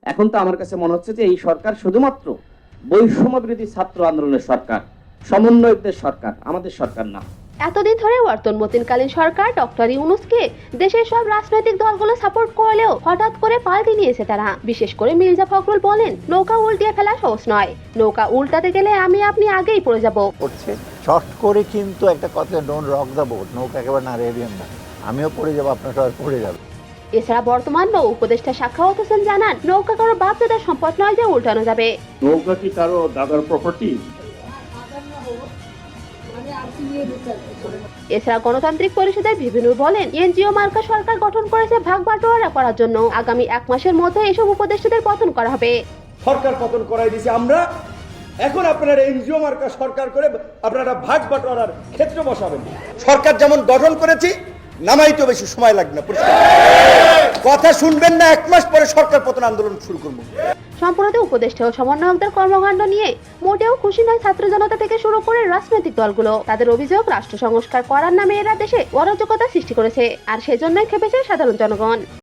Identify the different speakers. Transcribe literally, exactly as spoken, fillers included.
Speaker 1: এখন তো আমার কাছে মনে হচ্ছে যে এই সরকার শুধুমাত্র বৈষম্য বিরোধী ছাত্র আন্দোলনের সরকার, সমন্বয়কদের সরকার, আমাদের সরকার না।
Speaker 2: এতদিন ধরে বর্তমানকালীন সরকার ডক্টর ইউনূসকে দেশের সব রাজনৈতিক দলগুলো সাপোর্ট করলেও হঠাৎ করে পাল্টে নিয়েছে তারা। বিশেষ করে মির্জা ফখরুল বলেন, নৌকা উল্টিয়ে ফেলা সহজ নয়, নৌকা উল্টাতে গেলে আমি আপনি আগেই পড়ে যাব।
Speaker 3: শর্ট করে কিন্তু একটা কথা, ডোন্ট রক দ্য বোট, নৌকা একেবারে না রেডিয়ান না, আমিও পড়ে যাবো, আপনার সবাই পড়ে যাবে।
Speaker 2: এছাড়া বর্তমান নৌ উপদেষ্টা সাখাওয়াত হোসেন জানান, নৌকা কারো বাপ দাদার সম্পদ নয় যে উল্টানো যাবে।
Speaker 4: নৌকা কি কারো দাদার প্রপার্টি?
Speaker 2: এছাড়া গণতান্ত্রিক পরিষদের বিভিন্ন বলেন, এনজিও মার্কা সরকার গঠন করেছে ভাগ বাটোয়ারা করার জন্য। আগামী এক মাসের মধ্যে এসব উপদেষ্টাদের পতন করা হবে।
Speaker 5: সরকার পতন করাই দিয়েছি আমরা, এখন আপনারা এনজিও মার্কা সরকার করে আপনারা ভাগ বাটোয়ারার ক্ষেত্র বসাবেন। সরকার যেমন গঠন করেছি, নামাইতে বেশি সময় লাগবে না। কথা শুনবেন না, এক মাস পরে সরকার পতন আন্দোলন শুরু করবো।
Speaker 2: সম্প্রতি উপদেষ্টা ও সমন্বয়কদের কর্মকাণ্ড নিয়ে মোটেও খুশি নয় ছাত্র জনতা থেকে শুরু করে রাজনৈতিক দলগুলো। তাদের অভিযোগ, রাষ্ট্র সংস্কার করার নামে এরা দেশে অরাজকতা সৃষ্টি করেছে, আর সেজন্যই খেপেছে সাধারণ জনগণ।